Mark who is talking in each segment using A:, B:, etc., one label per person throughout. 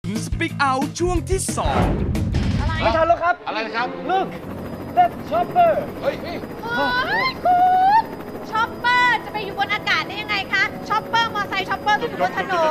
A: Speak Out ช่วงที่2
B: ไม่ทันแล้วครับอะไรครับ Look that chopper
C: เฮ้ยคุณช็อปเปอร์จะไปอยู่บนอากาศได้ยังไงคะช็อปเปอร์มอเตอร์ไซค์ช็อปเปอร์ต้องอยู่บนถนน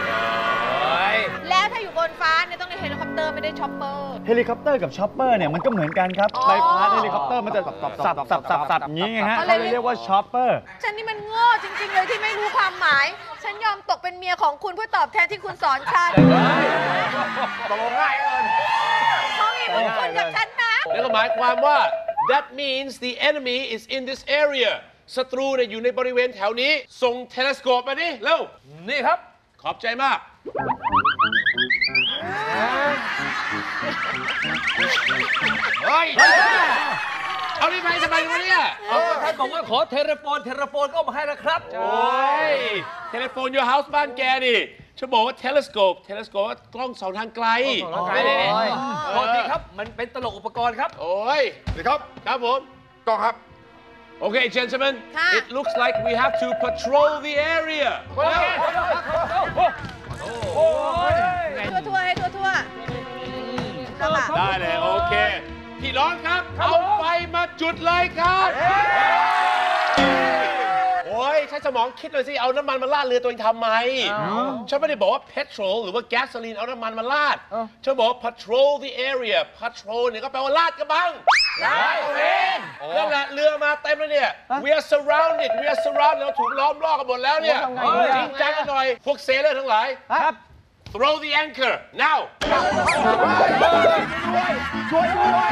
C: แล้วถ้าอยู่บนฟ้าเนี่ยต้องเรียกเฮลิคอปเตอร์ไม่ได้ช็อปเปอร์
B: เฮลิคอปเตอร์กับช็อปเปอร์เนี่ยมันก็เหมือนกันครับใบพัดเฮลิคอปเตอร์มันจะสับอย่างนี้ไงฮะเขาเลยเรียกว่าช็อปเปอร์
C: ฉันนี่มันโง่จริงๆเลยที่ไม่รู้ความหมายฉันยอมตกเป็นเมียของคุณเพื่อตอบแทนที่คุณสอนฉัน
B: ตกง่ายเลย
C: เขามีบุญคุณกับฉันนะ
D: แล้วก็หมายความว่า that means the enemy is in this area ศัตรูเนี่ยอยู่ในบริเวณแถวนี้ส่งเทเลสโคปมาดิเร็วนี่ครับขอบใจมากเฮ้ยเอานี่ไปทำไมวะเนี่ย
E: ท่านบอกว่าขอเทเลโฟนก็มาให้แล้วครับ
D: โอ้ยเทเลโฟน your house บ้านแกดิฉันบอกว่าเทเลสโคปว่ากล้องส่องทางไกล
E: โทษทีครับมันเป็นตลกอุปกรณ์ครับ
D: โอ้ย
B: ดีครับ
D: ครับผม
B: กล้องครับ
D: Okay, gentlemen, it looks like we have to patrol the area.
C: ทั่วให้ทั่ว
D: ได้เลยโอเคพี่น้องครับเอาไฟมาจุดเลยครับโอ้ยใช้สมองคิดเลยสิเอาน้ำมันมาลาดเรือตัวเองทำไมฉันไม่ได้บอกว่า petrol หรือว่า gasoline เอาน้ำมันมาลาดฉันบอก patrol the area patrol เนี่ยก็แปลว่าลาดกระบังลาดเองนั่นแหละเรือมาเต็มแล้วเนี่ย we are surrounded เราถูกล้อมรอบกันหมดแล้วเนี่ยจริงจังกันหน่อยพวกเซเลอร์ทั้งหลายครับthrow the anchor now
B: ช่วยด้วย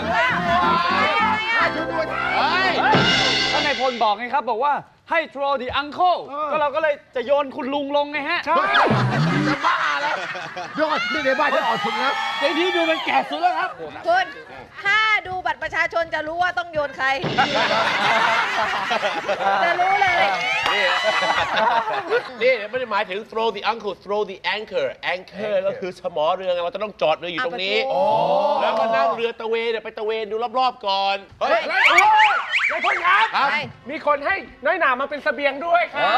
B: ท่านนายพลบอกไงครับบอกว่าให้ throw the uncle ก็เราก็เลยจะโยนคุณลุงลงไงฮะใช่จะบ้าแล้วยอดนี่ในบ้านจะออกสุดแล้วในที่ดูมันแก่สุดแล้วครับ
C: คุณถ้าดูบัตรประชาชนจะรู้ว่าต้องโยนใครจะรู้เลย
D: นี่ไม่ได้หมายถึง throw the uncle throw the anchor ก็คือสมอเรือเราจะต้องจอดเรืออยู่ตรงนี้แล้วก็นั่งเรือตะเวนไปตะเวนดูรอบๆก่อน
E: เฮ้ยนายพลครับมีคนให้น้อยหนามาเป็นเสบียงด้วยครับ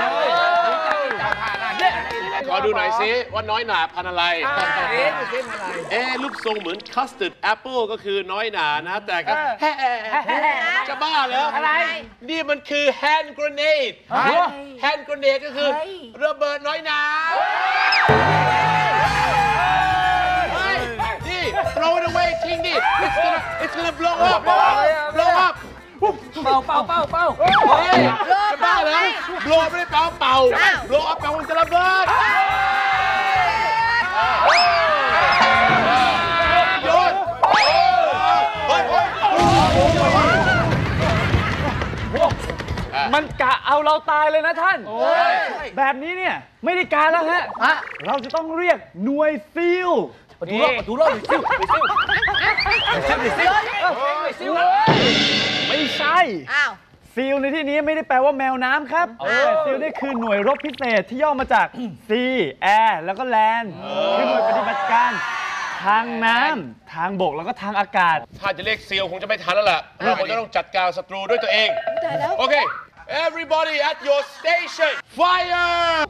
D: ขอดูหน่อยสิว่าน้อยหนาพันอะไรรูปทรงเหมือน custard apple ก็คือน้อยหนานะแต่ก็จะบ้าเหรออะไรนี่มันคือ hand grenade hand grenade ก็คือระเบิดน้อยหนานี่ throw it away ทิ้งดิ it's gonna blow up เป่าเฮ้ยจะบ้าเหรอ blow ไม่ได้เป่าblow up แปลว่าจะระเบิดโยน
B: มันกะเอาเราตายเลยนะท่านแบบนี้เนี่ยไม่ได้การแล้วฮะเราจะต้องเรียกหน่วยซิลดูรอบซิลไม่ใช่ซิลในที่นี้ไม่ได้แปลว่าแมวน้ำครับซิลนี่คือหน่วยรบพิเศษที่ย่อมาจาก Sea Air แล้วก็ Land คือหน่วยปฏิบัติการทางน้ำทางบกแล้วก็ทางอากาศ
D: ถ้าจะเรียกซิลคงจะไม่ทันแล้วล่ะเราคงจะต้องจัดการศัตรูด้วยตัวเองโอเค everybody at your station fire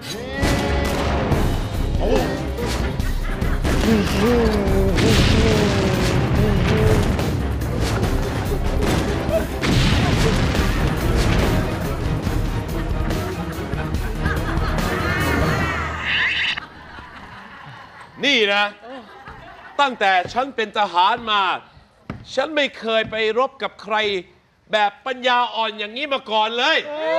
D: นี่นะตั้งแต่ฉันเป็นทหารมาฉันไม่เคยไปรบกับใครแบบปัญญาอ่อนอย่างนี้มาก่อนเลย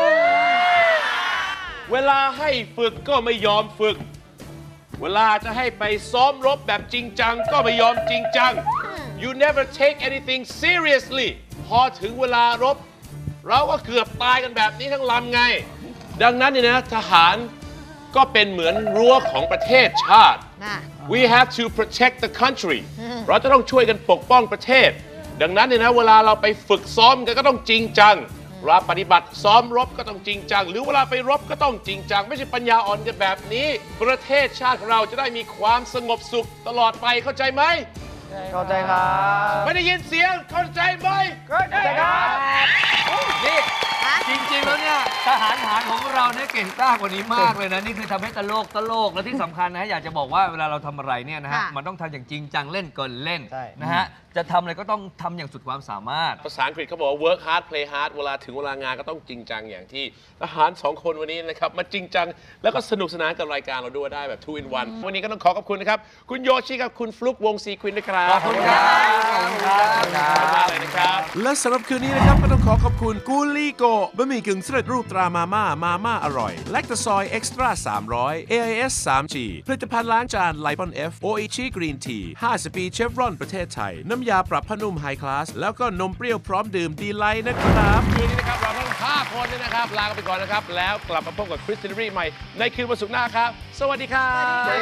D: เวลาให้ฝึกก็ไม่ยอมฝึกเวลาจะให้ไปซ้อมรบแบบจริงจังก็ไม่ยอมจริงจัง you never take anything seriously พอถึงเวลารบเราก็เกือบตายกันแบบนี้ทั้งลำไงดังนั้นเนี่ยนะทหารก็เป็นเหมือนรั้วของประเทศชาติ we have to protect the country เราจะต้องช่วยกันปกป้องประเทศดังนั้นเนี่ยนะเวลาเราไปฝึกซ้อมกันก็ต้องจริงจังเวลาปฏิบัติซ้อมรบก็ต้องจริงจังหรือเวลาไปรบก็ต้องจริงจังไม่ใช่ปัญญาอ่อนกันแบบนี้ประเทศชาติของเราจะได้มีความสงบสุขตลอดไปเข้าใจไหม
B: เข้าใจครับ
D: ไม่ได้ยินเสียงเข้าใจไหม
B: เข้าใจครับ
E: นี่
F: จริงๆแล้วเนี่ยทหารหารของเราเนี่ยเก่งกล้ากว่านี้มากเลยนะนี่คือทำให้ตลกแล้วที่สำคัญนะอยากจะบอกว่าเวลาเราทำอะไรเนี่ยนะฮะมันต้องทำอย่างจริงจังเล่นก่อนเล่นนะฮะจะทำอะไรก็ต้องทำอย่างสุดความสามารถ
D: ภาษาอังกฤษเขาบอกว่า work hard play hard เวลาถึงเวลางานก็ต้องจริงจังอย่างที่ทหาร2 คนวันนี้นะครับมาจริงจังแล้วก็สนุกสนานกับรายการเราด้วยได้แบบ2 in 1วันนี้ก็ต้องขอบคุณนะครับคุณโยชิกับคุณฟลุ๊กวงซีควินด้วยครับ
F: ขอบคุณครับ
D: ขอบคุณมากเลยนะครับและสำหรับคืนนี้นะครับก็ต้องขอบคุณกูลี่โกบะหมี่กึ่งสำเร็จรูปตรามาม่าอร่อยแลคตาซอยเอ็กซ์ตร้า300 AIS 3G ผลิตภัณฑ์ล้างจานไลปอน F โออิชิกรีนที50 ปีเชฟรอนประเทศไทยน้ำยาปรับผ้านุ่มไฮคลาสแล้วก็นมเปรี้ยวพร้อมดื่มดีไลท์นะครับคืนนี้นะครับเราทั้ง5 คนเนี่ยนะครับลากันไปก่อนนะครับแล้วกลับมาพบกับคริสตินรีใหม่ในคืนวันศุกร์หน้าครับสวัสดีครับ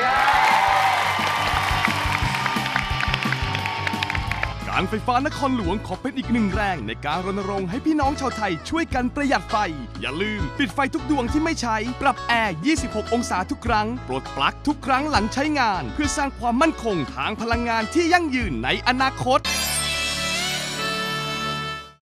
A: การไฟฟ้านครหลวงขอเป็นอีกหนึ่งแรงในการรณรงค์ให้พี่น้องชาวไทยช่วยกันประหยัดไฟอย่าลืมปิดไฟทุกดวงที่ไม่ใช้ปรับแอร์ 26 องศาทุกครั้งปลดปลั๊กทุกครั้งหลังใช้งานเพื่อสร้างความมั่นคงทางพลังงานที่ยั่งยืนในอนาคต